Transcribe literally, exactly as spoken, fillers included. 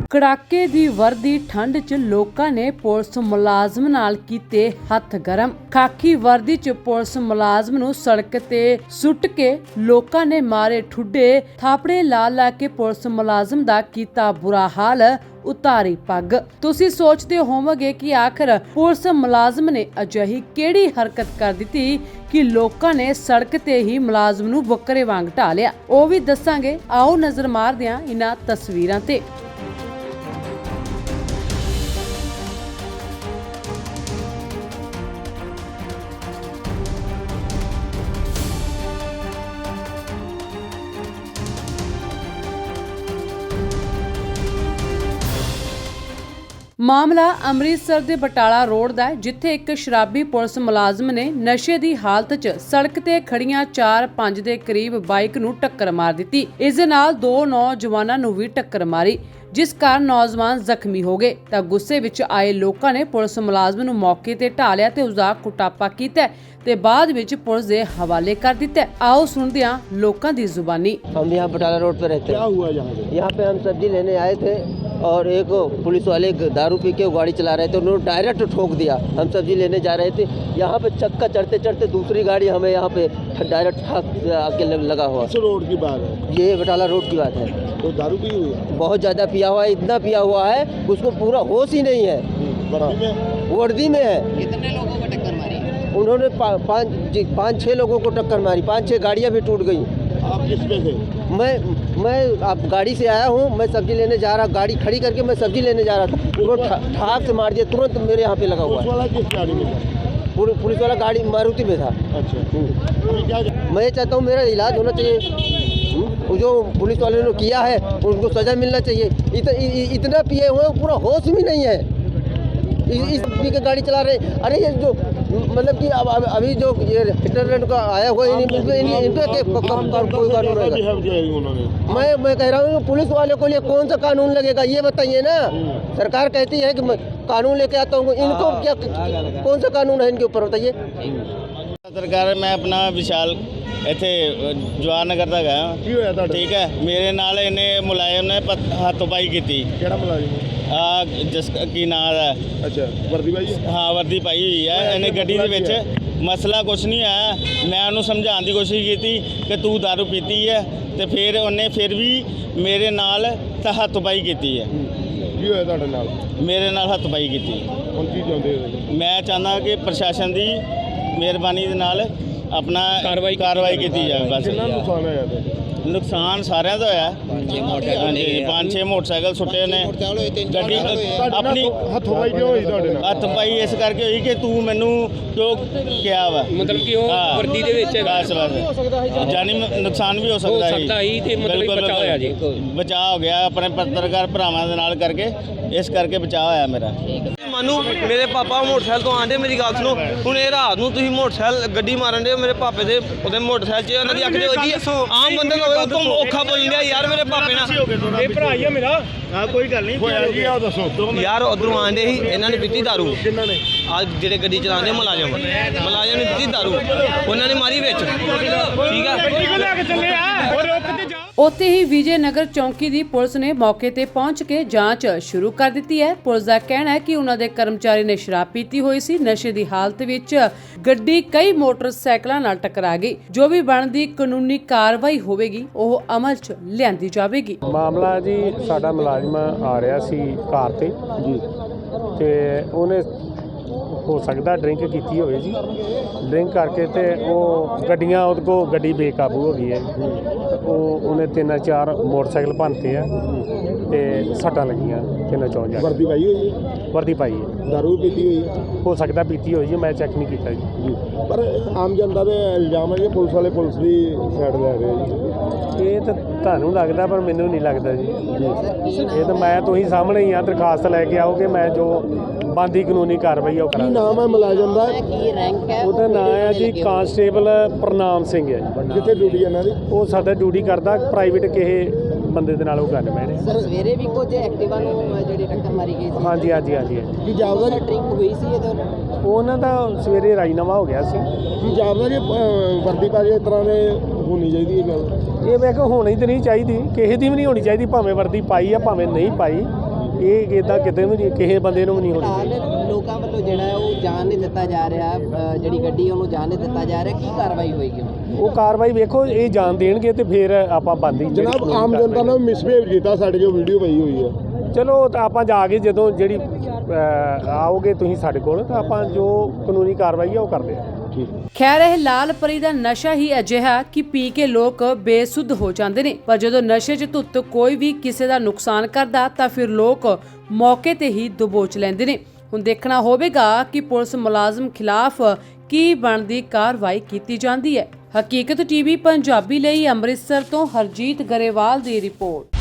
कड़ाके दी वर्दी ठंड च लोकां ने पुलिस मुलाजम नाल कीते हथ गरम। खाकी वर्दी च पुलिस मुलाजम नूं सड़क ते सुੱਟ के लोकां ने मारे ठुड्डे, थापड़े ला ला के पुलिस मुलाजम दा कीता बुरा हाल, उतारी पग। तुसी सोचते होवोगे कि आखिर पुलिस मुलाजम ने अजिही किहड़ी हरकत कर दित्ती कि लोकां ने सड़क ते ही मुलाजम नूं बकरे वांग ढा लिया। ओह भी दसांगे, आओ नजर मारदे हां इन्हां तस्वीरां ते। मामला अमृतसर दे बटाला रोड दा है, जिथे एक शराबी पुलिस मुलाजम ने नशे दी हालत च सड़क ते खड़ियां चार पंज दे करीब बाइक नूं टक्कर मार दित्ती। इस दे नाल दो नौजवानां नूं भी टक्कर मारी, जिस कारण नौजवान जख्मी हो गए। तां गुस्से विच आए लोकां ने पुलिस मुलाजम नूं मौके ते ढा लिया ते उसदा कुटापा कीता ते बाद विच पुलिस दे हवाले कर दित्ता। आओ सुनदे हां लोकां दी जुबानी। हम यहाँ बटाला रोड पे रहते हैं। क्या हुआ यहाँ पे? यहाँ पे हम सब्जी लेने आए थे और एक पुलिस वाले दारू पी के गाड़ी चला रहे थे, उन्होंने डायरेक्ट ठोक दिया। हम सब्जी लेने जा रहे थे, यहाँ पे चक्का चढ़ते चढ़ते दूसरी गाड़ी हमें यहाँ पे डायरेक्ट ठाक आके लगा हुआ। किस रोड की बात है? ये बटाला रोड की बात है। तो दारू पी हुई है? बहुत ज़्यादा पिया हुआ है, इतना पिया हुआ है उसको पूरा होश ही नहीं है। वर्दी में? वर्दी में है। कितने लोगों को टक्कर मारी? उन्होंने पाँच पाँच छः लोगों को टक्कर मारी, पाँच छः गाड़ियाँ भी टूट गई। आप किस पे थे? मैं मैं आप गाड़ी से आया हूँ, मैं सब्जी लेने जा रहा, गाड़ी खड़ी करके मैं सब्जी लेने जा रहा था, उनको ठाक से मार दिया, तुरंत मेरे यहाँ पे लगा हुआ पुलिस है। वाला किस गाड़ी में था? पुलिस वाला गाड़ी मारुति में था। अच्छा, अभी क्या? मैं चाहता हूँ मेरा इलाज होना चाहिए, वो जो पुलिस वाले ने किया है उनको सज़ा मिलना चाहिए। इत, इ, इतना पिए हुए पूरा होश भी नहीं है, इस पी के गाड़ी चला रहे। अरे ये जो मतलब कि अब अभी जो ये इंटरनेट का आया हुआ है, कोई कानून रहेगा? मैं मैं कह रहा हूँ पुलिस वाले को लिए कौन सा कानून लगेगा ये बताइए ना। सरकार कहती है कि मैं कानून लेके आता हूँ, इनको क्या कौन सा कानून है इनके ऊपर बताइए। सरकार मैं अपना विशाल ਇੱਥੇ ਜਵਾਨ ਨਗਰ ਦਾ ਗਿਆ। ਕੀ ਹੋਇਆ ਤੁਹਾਡਾ? ਠੀਕ ਹੈ, ਮੇਰੇ ਨਾਲ ਇਹਨੇ ਮੁਲਾਜ਼ਮ ਨੇ ਹੱਥੋਂ-ਪਾਈ ਕੀਤੀ। ਕਿਹੜਾ ਮੁਲਾਜ਼ਮ? ਆ ਜਿਸ ਕੀ ਨਾਂ ਹੈ? ਅੱਛਾ, ਵਰਦੀ ਪਾਈ? ਹਾਂ, ਵਰਦੀ ਪਾਈ ਹੋਈ ਹੈ। ਇਹਨੇ ਗੱਡੀ ਦੇ ਵਿੱਚ ਮਸਲਾ ਕੁਛ ਨਹੀਂ ਆਇਆ। ਮੈਂ ਉਹਨੂੰ ਸਮਝਾਉਣ ਦੀ ਕੋਸ਼ਿਸ਼ ਕੀਤੀ ਕਿ ਤੂੰ ਦਾਰੂ ਪੀਤੀ ਹੈ, ਤੇ ਫਿਰ ਉਹਨੇ ਫਿਰ ਵੀ ਮੇਰੇ ਨਾਲ ਤਾਂ ਹੱਥੋਂ-ਪਾਈ ਕੀਤੀ ਹੈ। ਕੀ ਹੋਇਆ ਤੁਹਾਡੇ ਨਾਲ? ਮੇਰੇ ਨਾਲ ਹੱਥੋਂ-ਪਾਈ ਕੀਤੀ। ਹੁਣ ਕੀ ਚਾਹੁੰਦੇ ਹੋ? ਮੈਂ ਚਾਹੁੰਦਾ ਕਿ ਪ੍ਰਸ਼ਾਸਨ ਦੀ ਮਿਹਰਬਾਨੀ ਦੇ ਨਾਲ ਆਪਣਾ ਕਾਰਵਾਈ ਕਾਰਵਾਈ ਕੀਤੀ ਜਾਵੇ। ਬਸ ਕਿੰਨਾ ਨੁਕਸਾਨ ਹੋਇਆ ਤੁਹਾਡਾ? ਨੁਕਸਾਨ ਸਾਰਿਆਂ ਦਾ ਹੋਇਆ। ਹਾਂਜੀ, ਪੰਜ ਛੇ ਮੋਟਰਸਾਈਕਲ ਸੁੱਟੇ ਨੇ, ਗੱਡੀ ਆਪਣੀ। ਹੱਥੋਂ ਪਾਈ ਕਿਉਂ ਹੋਈ ਤੁਹਾਡੇ ਨਾਲ? ਹੱਥ ਪਾਈ ਇਸ ਕਰਕੇ ਹੋਈ ਕਿ ਤੂੰ ਮੈਨੂੰ ਕਿਉਂ ਕਿਹਾ ਵਾ, ਮਤਲਬ ਕਿ ਉਹ ਵਰਦੀ ਦੇ ਵਿੱਚ ਬਸ ਬਸ ਜਾਨੀ ਨੁਕਸਾਨ ਵੀ ਹੋ ਸਕਦਾ ਸੀ ਤੇ ਮਤਲਬ ਬਚਾਅ ਹੋਇਆ ਜੀ। ਬਚਾਅ ਹੋ ਗਿਆ ਆਪਣੇ ਪੱਤਰਕਾਰ ਭਰਾਵਾਂ ਦੇ ਨਾਲ ਕਰਕੇ, ਇਸ ਕਰਕੇ ਬਚਾਅ ਹੋਇਆ ਮੇਰਾ। ਮਾਨੂੰ ਮੇਰੇ ਪਾਪਾ ਮੋਟਰਸਾਈਕਲ ਤੋਂ ਆਂਦੇ, ਮੇਰੀ ਗੱਲ ਸੁਣੋ। ਹੁਣ ਇਹ ਰਾਤ ਨੂੰ ਤੁਸੀਂ ਮੋਟਰਸਾਈਕਲ ਗੱਡੀ ਮਾਰਨ ਦੇ ਮੇਰੇ ਪਾਪੇ ਦੇ ਉਹਦੇ ਮੋਟਰਸਾਈਕਲ 'ਚ ਉਹਨਾਂ ਦੀ ਅੱਖ ਦੇ ਵੱਜੀ। ਆਮ ਬੰਦੇ ਨੂੰ ਉਤੋਂ ਔਖਾ ਬੋਲ ਰਿਹਾ ਯਾਰ। ਮੇਰੇ ਪਾਪੇ ਨਾਲ ਇਹ ਭਰਾ ਹੀ ਆ ਮੇਰਾ। ਹਾਂ, ਕੋਈ ਗੱਲ ਨਹੀਂ ਹੋਇਆ ਜੀ। ਆਹ ਦੱਸੋ ਯਾਰ, ਉਧਰੋਂ ਆਂਦੇ ਸੀ, ਇਹਨਾਂ ਨੇ ਪੀਤੀ ਦਾਰੂ। ਕਿੰਨਾ ਨੇ? ਆ ਜਿਹੜੇ ਗੱਡੀ ਚਲਾਉਂਦੇ ਮੁਲਾਜ਼ਮ ਮੁਲਾਜ਼ਮ ਨੇ ਪੀਤੀ ਦਾਰੂ, ਉਹਨਾਂ ਨੇ ਮਾਰੀ ਵਿੱਚ। ਠੀਕ ਆ, ਉੱਥੇ ਹੀ ਵਿਜੇ ਨਗਰ ਚੌਂਕੀ ਦੀ ਪੁਲਿਸ ਨੇ ਮੌਕੇ ਤੇ ਪਹੁੰਚ ਕੇ ਜਾਂਚ ਸ਼ੁਰੂ ਕਰ ਦਿੱਤੀ ਹੈ। ਪੁਲਿਸ ਦਾ ਕਹਿਣਾ ਹੈ ਕਿ ਉਹਨਾਂ ਦੇ ਕਰਮਚਾਰੀ ਨੇ ਸ਼ਰਾਬ ਪੀਤੀ ਹੋਈ ਸੀ। ਨਸ਼ੇ ਦੀ ਹਾਲਤ ਵਿੱਚ ਗੱਡੀ ਕਈ ਮੋਟਰਸਾਈਕਲਾਂ ਨਾਲ ਟਕਰਾ ਗਈ। ਜੋ ਵੀ ਬਣਦੀ ਕਾਨੂੰਨੀ ਕਾਰਵਾਈ ਹੋਵੇਗੀ ਉਹ ਅਮਲ 'ਚ ਲਿਆਂਦੀ ਜਾਵੇਗੀ। ਮਾਮਲਾ ਜੀ, ਸਾਡਾ ਮੁਲਾਜ਼ਮ ਆ ਰਿਹਾ ਸੀ ਕਾਰ ਤੇ ਜੀ, ਤੇ ਉਹਨੇ ਹੋ ਸਕਦਾ ਡਰਿੰਕ ਕੀਤੀ ਹੋਵੇ ਜੀ। ਡਰਿੰਕ ਕਰਕੇ ਤੇ ਉਹ ਗੱਡੀਆਂ ਉਹਦੇ ਕੋਲ ਗੱਡੀ ਬੇਕਾਬੂ ਹੋ ਗਈ ਹੈ। ਉਹ ਉਹਨੇ ਤਿੰਨ ਚਾਰ ਮੋਟਰਸਾਈਕਲ ਭੰਨਤੇ ਆ ਤੇ ਸੱਟਾਂ ਲੱਗੀਆਂ ਤਿੰਨ ਚੌਂ ਜਾ। ਵਰਦੀ ਪਾਈ ਹੋਈ ਹੈ? ਵਰਦੀ ਪਾਈ ਹੈ। ਦਾਰੂ ਪੀਤੀ ਹੋਈ ਹੈ? ਹੋ ਸਕਦਾ ਪੀਤੀ ਹੋਈ ਜੀ, ਮੈਂ ਚੈੱਕ ਨਹੀਂ ਕੀਤਾ ਜੀ। ਪਰ ਆਮ ਜਨਤਾ ਦੇ ਇਲਜ਼ਾਮ ਹੈ ਕਿ ਪੁਲਿਸ ਵਾਲੇ ਪੁਲਿਸ ਦੀ ਸਾਈਡ ਲੈ ਰਹੇ ਜੀ। ਇਹ ਤਾਂ ਤੁਹਾਨੂੰ ਲੱਗਦਾ, ਪਰ ਮੈਨੂੰ ਨਹੀਂ ਲੱਗਦਾ ਜੀ। ਇਹ ਤਾਂ ਮੈਂ ਤੁਸੀਂ ਸਾਹਮਣੇ ਹੀ ਆ, ਦਰਖਾਸਤ ਲੈ ਕੇ ਆਓਗੇ, ਮੈਂ ਜੋ ਬਣਦੀ ਕਾਨੂੰਨੀ ਕਾਰਵਾਈ ਉਹ ਕੀ ਕਰਾਂਗਾ। ਨਾਮ ਹੈ ਮੁਲਾਜ਼ਮ ਦਾ? ਕੀ ਰੈਂਕ ਹੈ? ਉਹਦਾ ਨਾਮ ਹੈ ਜੀ ਕਾਂਸਟੇਬਲ ਪ੍ਰਨਾਮ ਸਿੰਘ ਹੈ ਜੀ। ਕਿੱਥੇ ਡਿਊਟੀ ਇਹਨਾਂ ਦੀ? ਉਹ ਸਾਡਾ ਡਿਊਟੀ ਕਰਦਾ ਪ੍ਰਾਈਵੇਟ ਕਿਸੇ ਬੰਦੇ ਦੇ ਨਾਲ ਉਹ ਗੱਲ ਮੈਂ ਨੇ। ਸਰ, ਸਵੇਰੇ ਵੀ ਕੁਝ ਐਕਟਿਵਾ ਨੂੰ ਜਿਹੜੀ ਟੱਕਰ ਮਾਰੀ ਗਈ ਸੀ। ਹਾਂਜੀ ਹਾਂਜੀ ਹਾਂਜੀ ਹਾਂਜੀ। ਕੀ ਜਾਪਦਾ ਜੀ? ਡਰਿੰਕ ਹੋਈ ਸੀ ਇਹਦੇ ਨਾਲ? ਉਹਨਾਂ ਦਾ ਸਵੇਰੇ ਰਾਜੀਨਾਮਾ ਹੋ ਗਿਆ ਸੀ। ਕੀ ਜਾਪਦਾ ਜੀ ਵਰਦੀ ਪਾ ਕੇ ਇਸ ਤਰ੍ਹਾਂ ਦੇ ਹੋਣੀ ਚਾਹੀਦੀ ਇਹ ਗੱਲ? ਇਹ ਮੈਂ ਕਿਹਾ ਹੋਣੀ ਤਾਂ ਨਹੀਂ ਚਾਹੀਦੀ, ਕਿਸੇ ਦੀ ਵੀ ਨਹੀਂ ਹੋਣੀ ਚਾਹੀਦੀ, ਭਾਵੇਂ ਵਰਦੀ ਪਾਈ ਆ ਭਾਵੇਂ ਨਹੀਂ ਪਾਈ। ਇਹ ਇਦਾਂ ਕਿਤੇ ਵੀ ਨਹੀਂ, ਕਿਸੇ ਬੰਦੇ ਨੂੰ ਵੀ ਨਹੀਂ ਹੋਣੀ ਚਾਹੀਦੀ। ਫਿਲਹਾਲ ਲੋਕਾਂ ਵੱਲੋਂ ਜਿਹੜਾ ਹੈ ਉਹ ਜਾਣ ਨਹੀਂ ਦਿੱਤਾ ਜਾ ਰਿਹਾ, ਅ, ਜਿਹੜੀ ਗੱਡੀ ਉਹਨੂੰ ਜਾਣ ਨਹੀਂ ਦਿੱਤਾ ਜਾ ਰਿਹਾ, ਕੀ ਕਾਰਵਾਈ ਹੋਏਗੀ ਹੁਣ? ਉਹ ਕਾਰਵਾਈ ਵੇਖੋ, ਇਹ ਜਾਣ ਦੇਣਗੇ ਤੇ ਫਿਰ ਆਪਾਂ ਬੰਦ ਹੀ ਜਨਾਬ ਆਮ ਜਨਤਾ ਨੇ ਮਿਸਬਿਹੇਵ ਕੀਤਾ ਸਾਡੇ ਜੋ ਵੀਡੀਓ ਪਈ ਹੋਈ ਹੈ। ਚਲੋ ਤਾਂ ਆਪਾਂ ਜਾ ਕੇ ਜਦੋਂ ਜਿਹੜੀ ਅਹ, ਆਓਗੇ ਤੁਸੀਂ ਸਾਡੇ ਕੋਲ ਤਾਂ ਆਪਾਂ ਜੋ ਕਾਨੂੰਨੀ ਕਾਰਵਾਈ ਹੈ ਉਹ ਕਰਦੇ ਆ। ਖੈਰ ਇਹ ਲਾਲ ਪਰੀ ਦਾ ਨਸ਼ਾ ਹੀ ਅਜਿਹਾ ਕਿ ਪੀ ਕੇ ਲੋਕ ਬੇਸੁੱਧ ਹੋ ਜਾਂਦੇ ਨੇ, ਪਰ ਜਦੋਂ ਨਸ਼ੇ 'ਚ ਧੁੱਤ ਕੋਈ ਵੀ ਕਿਸੇ ਦਾ ਨੁਕਸਾਨ ਕਰਦਾ ਤਾਂ ਫਿਰ ਲੋਕ ਮੌਕੇ ਤੇ ਹੀ ਦਬੋਚ ਲੈਂਦੇ ਨੇ। ਹੁਣ ਦੇਖਣਾ ਹੋਵੇਗਾ ਕਿ ਪੁਲਿਸ ਮੁਲਾਜ਼ਮ ਖਿਲਾਫ ਕੀ ਬਣਦੀ ਕਾਰਵਾਈ ਕੀਤੀ ਜਾਂਦੀ ਹੈ। ਹਕੀਕਤ ਟੀਵੀ ਪੰਜਾਬੀ ਲਈ ਅੰਮ੍ਰਿਤਸਰ ਤੋਂ ਹਰਜੀਤ ਗਰੇਵਾਲ ਦੀ ਰਿਪੋਰਟ।